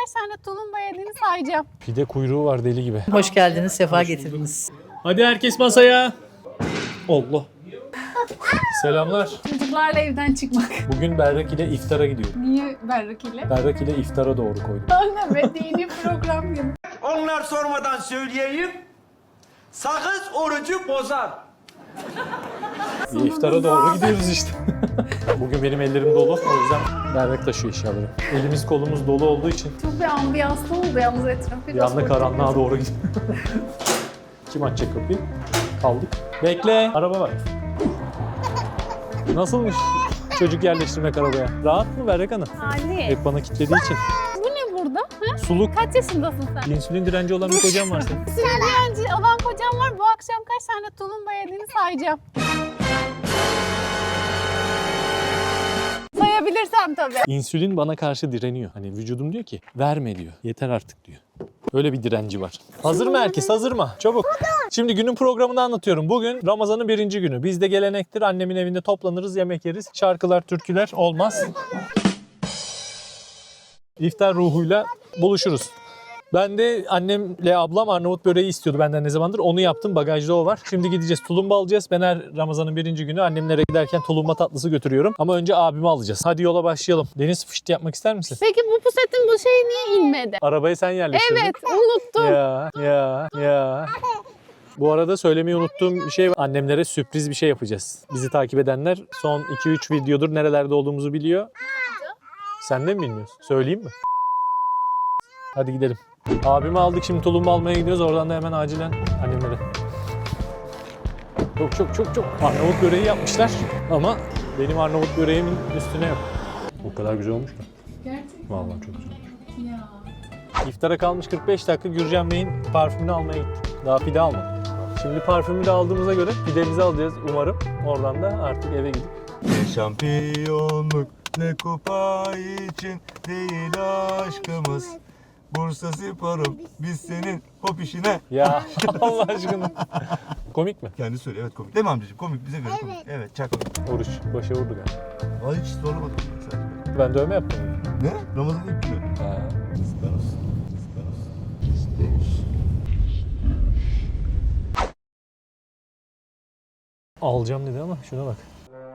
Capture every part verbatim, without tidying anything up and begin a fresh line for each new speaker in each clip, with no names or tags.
kaç tane tulumba yediğini sayacağım.
Pide kuyruğu var deli gibi.
Hoş geldiniz, sefa getirdiniz.
Hadi herkes masaya. Allah. Selamlar.
Çocuklarla evden çıkmak.
Bugün Berrak ile iftara gidiyorum.
Niye Berrak ile?
Berrak ile iftara doğru koydum.
Anne ve dini program gibi.
Onlar sormadan söyleyeyim. Sakız orucu bozar.
Bir iftara doğru gidiyoruz işte. Bugün benim ellerim dolu. O yüzden Berrak taşıyor eşyaları. Elimiz kolumuz dolu olduğu için
Çok bir ambiyanslı oldu yalnız etraf.
bir anda karanlığa doğru gidiyor. Kim açacak kapıyı? Kaldık. Bekle. Araba var. Nasılmış çocuk yerleştirmek arabaya? Rahat mı Berrak Hanım?
Ali.
Hep bana kilitlediği için.
Bu ne burada? Ha?
Suluk.
Kaç yaşındasın sen?
İnsülin direnci olan bir kocam var senin.
Sürücü olan kocam var. Bu akşam kaç tane tulumba yediğini sayacağım. Sayabilirsem tabii.
İnsülin bana karşı direniyor. Hani vücudum diyor ki verme diyor. Yeter artık diyor. Öyle bir direnci var. Hazır mı herkes? Hazır mı? Çabuk. Şimdi günün programını anlatıyorum. Bugün Ramazan'ın birinci günü. Bizde gelenektir. Annemin evinde toplanırız, yemek yeriz. Şarkılar, türküler olmaz. İftar ruhuyla buluşuruz. Ben de annemle ablam Arnavut böreği istiyordu benden ne zamandır. Onu yaptım. Bagajda o var. Şimdi gideceğiz. Tulumba alacağız. Ben her Ramazan'ın birinci günü annemlere giderken tulumba tatlısı götürüyorum. Ama önce abimi alacağız. Hadi yola başlayalım. Deniz fıştı yapmak ister misin?
Peki bu pusetin bu şey niye inmedi?
Arabayı sen yerleştirdin.
Evet, unuttum.
Ya ya ya. Bu arada söylemeyi unuttuğum bir şey var. Annemlere sürpriz bir şey yapacağız. Bizi takip edenler son iki üç videodur nerelerde olduğumuzu biliyor. Sen de mi bilmiyorsun? Söyleyeyim mi? Hadi gidelim. Abimi aldık, şimdi tulumba almaya gidiyoruz. Oradan da hemen acilen annemlere. Çok çok çok çok Arnavut böreği yapmışlar ama benim Arnavut böreğimin üstüne yok. O kadar güzel olmuş mu?
Gerçekten.
Vallahi çok güzel olmuş.
Ya.
İftara kalmış kırk beş dakika Gürcan Bey'in parfümünü almaya gittik. Daha pide almadım. Şimdi parfümü de aldığımıza göre pidemizi alacağız umarım. Oradan da artık eve gidip.
Ne şampiyonluk ne kupa için değil aşkımız. Bursa Spor'um biz senin hop işine.
Ya Allah aşkına. Komik mi?
Kendi söyle, evet komik. Değil mi amcacığım? Komik, bize göre komik. Evet, çok komik.
Oruç başa vurdu galiba.
Vallahi hiç sormadım sadece.
Ben dövme yaptım.
Ne? Ramazan ilk günü.
Ha.
Süper olsun. Süper olsun. Süper olsun.
Alacağım dedi ama şuna bak.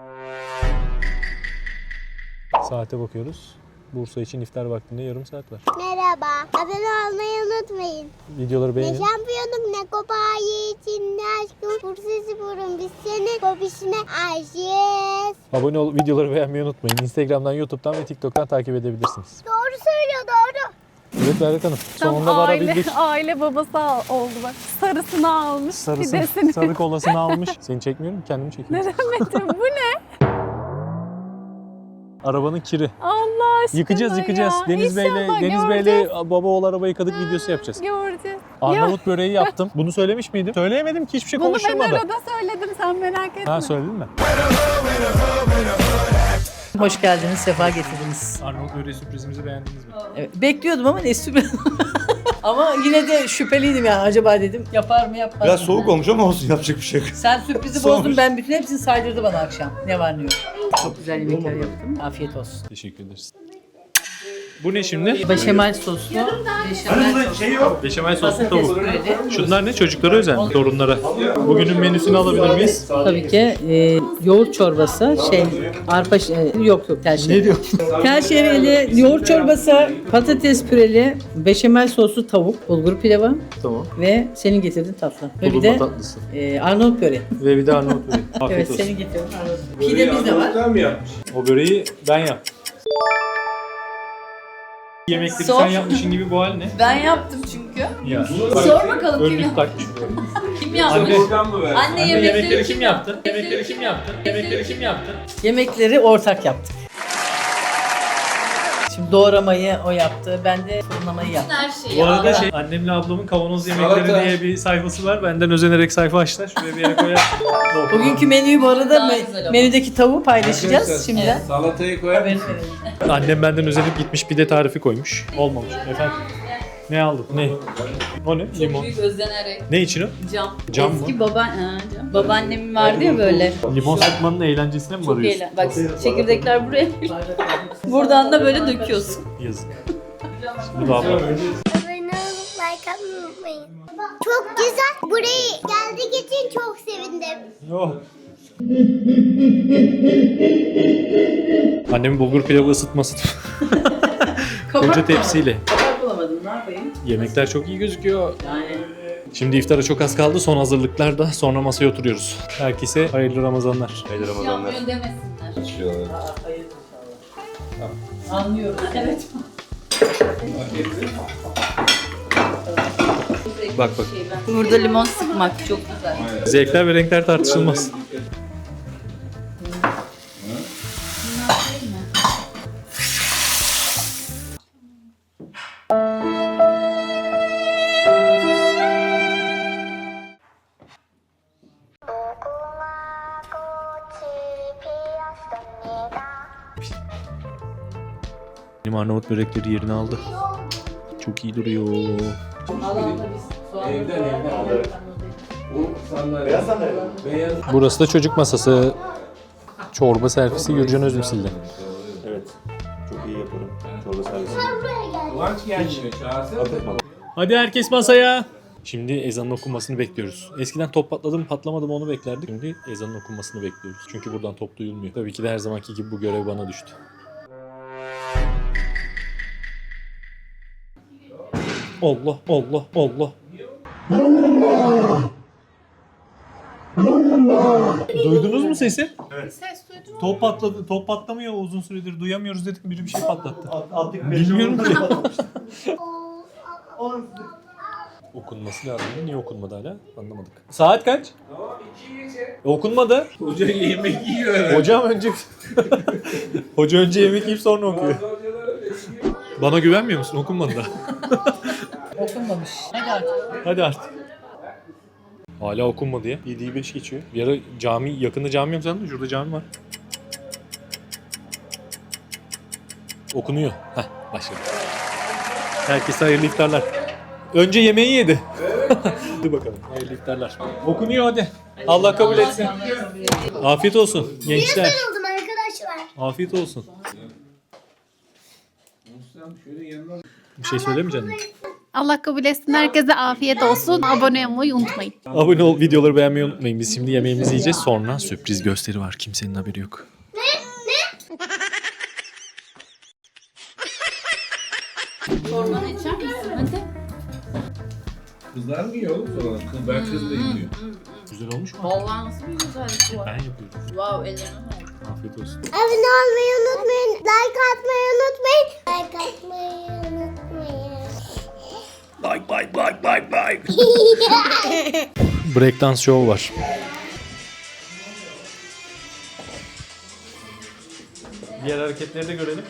Saate bakıyoruz. Bursa için iftar vaktinde yarım saat var.
Merhaba. Abone olmayı unutmayın.
Videoları
Ne
beğenin.
şampiyonluk ne kupayı için ne aşkım. Bursa Spor'un biz senin popişine aşığız.
Abone ol, videoları beğenmeyi unutmayın. Instagram'dan, YouTube'dan ve TikTok'tan takip edebilirsiniz.
Doğru söylüyor, doğru.
Evet Berrak Hanım.
Tam
Sonunda
aile,
varabildik.
aile babası al- oldu bak. Sarısını almış,
Sarısı,
pidesini.
sarı kolasını almış. Seni çekmiyorum, kendimi çekiyorum.
Metin bu ne?
Arabanın kiri.
Allah aşkına
Yıkacağız, yıkacağız.
ya.
Deniz Bey'le
İnşallah
Deniz
göreceğiz.
Bey'le baba oğul araba yıkadık videosu yapacağız.
Göreceğiz.
Arnavut böreği yaptım. Bunu söylemiş miydim? Söyleyemedim ki, hiçbir şey
Bunu ben
konuşulmadı.
arada söyledim, sen merak etme.
Ha, söyledin mi?
Hoş geldiniz, sefa getirdiniz.
Arnavut böreği sürprizimizi beğendiniz mi?
Evet, bekliyordum ama ne sürpriz. Ama yine de şüpheliydim yani, acaba dedim yapar mı yapmaz mı?
Biraz soğuk olmuş ama olsun, yapacak bir şey yok.
Sen sürprizi
Soğumuş.
bozdun, ben bütün hepsini saydırdı bana akşam. Ne var ne yok. Çok güzel yemekler yaptım. Afiyet olsun.
Teşekkür ederiz. Bu ne şimdi?
Beşamel soslu, beşamel soslu.
Şey yok.
Beşamel soslu
Patates
tavuk.
püreli.
Şunlar ne? Çocuklara özel mi? Torunlara. Bugünün menüsünü alabilir miyiz?
Tabii ki e, yoğurt çorbası, şey, arpa, şey, yok yok tel şehri.
Ne diyorsun?
Tel şehriyeli yoğurt çorbası, patates püreli, beşamel soslu tavuk, bulgur pilavı
Tamam.
ve senin getirdiğin tatlı. Ve bir
Tulumba
de
tatlısı.
e, Arnavut böreği.
Ve bir de Arnavut böreği. Afiyet
Evet,
olsun.
senin getirdiğin Arnavut böreği. Pidemiz de var.
O böreği ben yaptım. Yemekleri
Sor.
sen yapmışın gibi bu hal ne?
Ben yaptım çünkü.
Ya.
Sor bakalım kim,
Önlük takmış.
kim yapmış?
Anne,
Anne,
Anne
yemekleri,
yemekleri
kim
kim yaptı? Yemekleri kim yaptı? Yemekleri kim yaptı?
Yemekleri ortak yaptık. Şimdi doğramayı o yaptı, ben de fırınlamayı yaptım.
Her şeyi
Bu arada
aldım.
şey, annemle ablamın kavanoz yemekleri diye bir sayfası var. Benden özenerek sayfa açtılar. Şuraya bir yere koyar.
Bugünkü menüyü bu arada
Daha
me-
güzel oldu.
menüdeki tavuğu paylaşacağız şimdi.
Evet.
Salatayı koyar
Haberini
mısın?
verelim.
Annem benden özenip gitmiş pide tarifi koymuş. Olmamış. Efendim? Ne aldın? Ne? O ne? Limon.
Büyük özlenerek.
Ne için o?
Cam.
Cam mı?
Eski baba, ha, cam. Babaannemin vardı ya böyle.
Limon sıkmanın eğlencesine mi
Çok
varıyorsun?
eğlen. Bak çekirdekler buraya. Buradan da böyle döküyorsun.
Yazık. Şimdi baba.
Abone olup like atmayı unutmayın. Çok güzel. Buraya geldiği için çok sevindim.
Oh. Annemin bulgur pilavı ısıtması. Koca tepsiyle.
Kapak bulamadım, ne yapayım?
Yemekler çok iyi gözüküyor.
Yani
Şimdi iftara çok az kaldı. Son hazırlıklar da sonra masaya oturuyoruz. Herkese hayırlı Ramazanlar.
Hayırlı Ramazanlar.
Yanmıyor demesinler.
Açıyorlar.
hayır inşallah. Anlıyorum. Evet.
Bak bak.
Burada limon sıkmak çok güzel.
Zevkler ve renkler tartışılmaz. Benim Arnavut börekleri yerini aldı. Çok iyi duruyor. Burası da çocuk masası. Çorba servisi Gürcan Özmüsil'de.
Evet. Çok iyi yaparım. Çorba servisi.
Kıvanç gelmiyor. Çağırsana.
Hadi herkes masaya. Şimdi ezanın okunmasını bekliyoruz. Eskiden top patladı mı patlamadı mı onu beklerdik. Şimdi ezanın okunmasını bekliyoruz. Çünkü buradan top duyulmuyor. Tabii ki de her zamanki gibi bu görev bana düştü. Allah Allah Allah. Duydunuz mu sesi?
Ses duydun mu?
Top patladı. Top patlamıyor uzun süredir. Duyamıyoruz dedik. Biri bir şey patlattı. Bilmiyorum ki. Okunması lazım. Niye okunmadı hala? Anlamadık. Saat kaç? E, okunmadı.
Hoca yemek yiyor herhalde.
Hocam önce... Hoca önce yemek yiyip sonra okuyor. Bana güvenmiyor musun? Okunmadı da.
Okunmamış. Hadi artık.
Hadi artık. Hala okunmadı ya. yediyi beş geçiyor. Bir ara cami, yakında cami yok sandım. Şurada cami var. Okunuyor. Heh, başladı. Herkese hayırlı iftarlar. Önce yemeği yedi. Hadi bakalım. Hayırlı iftarlar. Okunuyor hadi. Allah kabul etsin. Afiyet olsun gençler.
Oldum arkadaşlar.
Afiyet olsun. Bir şey söylemeyeceksin mi?
Allah kabul etsin. Herkese afiyet olsun. Abone olmayı unutmayın.
Abone ol, videoları beğenmeyi unutmayın. Biz şimdi yemeğimizi yiyeceğiz. Sonra sürpriz gösteri var. Kimsenin haberi yok.
Çorbanı içer misin? Hadi.
Kızlar mı yiyor oğlum sonra? Kız, ben kız da yemiyor.
Güzel olmuş mu?
Vallahi nasıl bir güzellik bu.
Ben yapıyorum.
Wow, ellerine sağlık.
Afiyet olsun.
Abone olmayı unutmayın. Like atmayı unutmayın. Like atmayı unutmayın.
Like like like like like. Breakdance show var. Diğer hareketleri de görelim.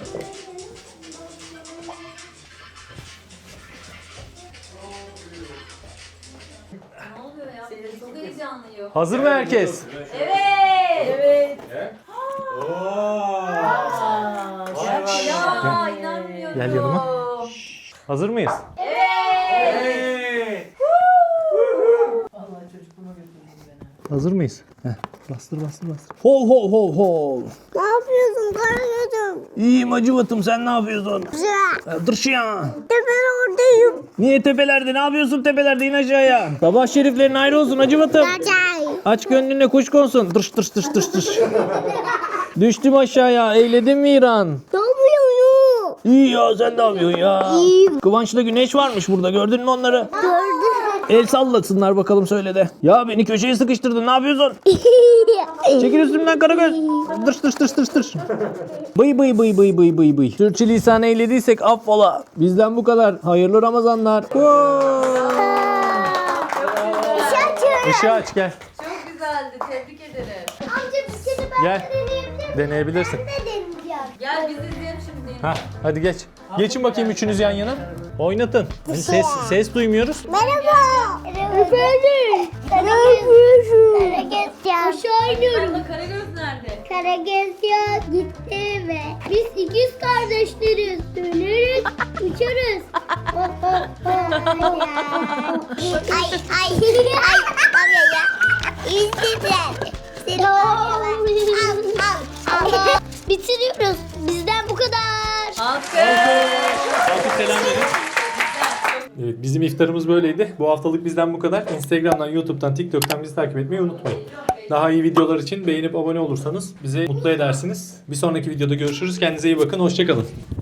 Ne oluyor ya? Çok heyecanlıyım.
Hazır mı herkes?
Evet. Evet. Ya inanmıyorum.
Gel yanıma. Hazır mıyız?
Evet.
Hazır mıyız? Heh. Bastır bastır bastır. Hol hol hol hol.
Ne yapıyorsun Karagöz'üm?
İyiyim Acıvat'ım, sen ne yapıyorsun?
Güzel.
Dur şu ya.
Ben oradayım.
Niye tepelerde? Ne yapıyorsun tepelerde? İn aşağıya. Sabah şeriflerin ayrı olsun Acıvat'ım.
Acay.
Aç gönlüne kuş konsun. Dırş dırş dırş dırş dırş. Düştüm aşağıya. Eyledin mi İran?
Ne yapıyorsun?
İyi ya, sen ne yapıyorsun ya?
İyiyim.
Kıvanç'la Güneş varmış burada. Gördün mü onları?
Gördüm.
El sallasınlar bakalım, söyle de. Ya beni köşeye sıkıştırdın. Ne yapıyorsun? Çekil üstümden Karagöz. Dırş dırş dırş dırş dırş. Bıy bıy bıy bıy bıy bıy bıy. Sürçülisan eylediysek affola. Bizden bu kadar. Hayırlı Ramazanlar. Işığı aç gel.
Çok güzeldi. Tebrik ederim.
Amca bir kere ben
Gel.
deneyebilir miyim?
Deneyebilirsin.
Ne deneyeceğim?
Gel biz izleyelim şimdi.
Ha, hadi geç. Geçin bakayım üçünüz yan yana. Oynatın. Hani ses ses duymuyoruz.
Merhaba. Efendim. Ne yapıyorsun? Karagöz ya. Aşağı iniyorum.
Abla Karagöz nerede?
Karagöz ya gitti eve. Biz ikiz kardeşleriz. Döneriz, uçarız. ay ay ay baba ya. İzlediler. Seni al al al. Bitiriyoruz. Bizden bu kadar.
Alkış.
Alkış selam verin. Evet, bizim iftarımız böyleydi. Bu haftalık bizden bu kadar. Instagram'dan, YouTube'dan, TikTok'tan bizi takip etmeyi unutmayın. Daha iyi videolar için beğenip abone olursanız bizi mutlu edersiniz. Bir sonraki videoda görüşürüz. Kendinize iyi bakın. Hoşça kalın.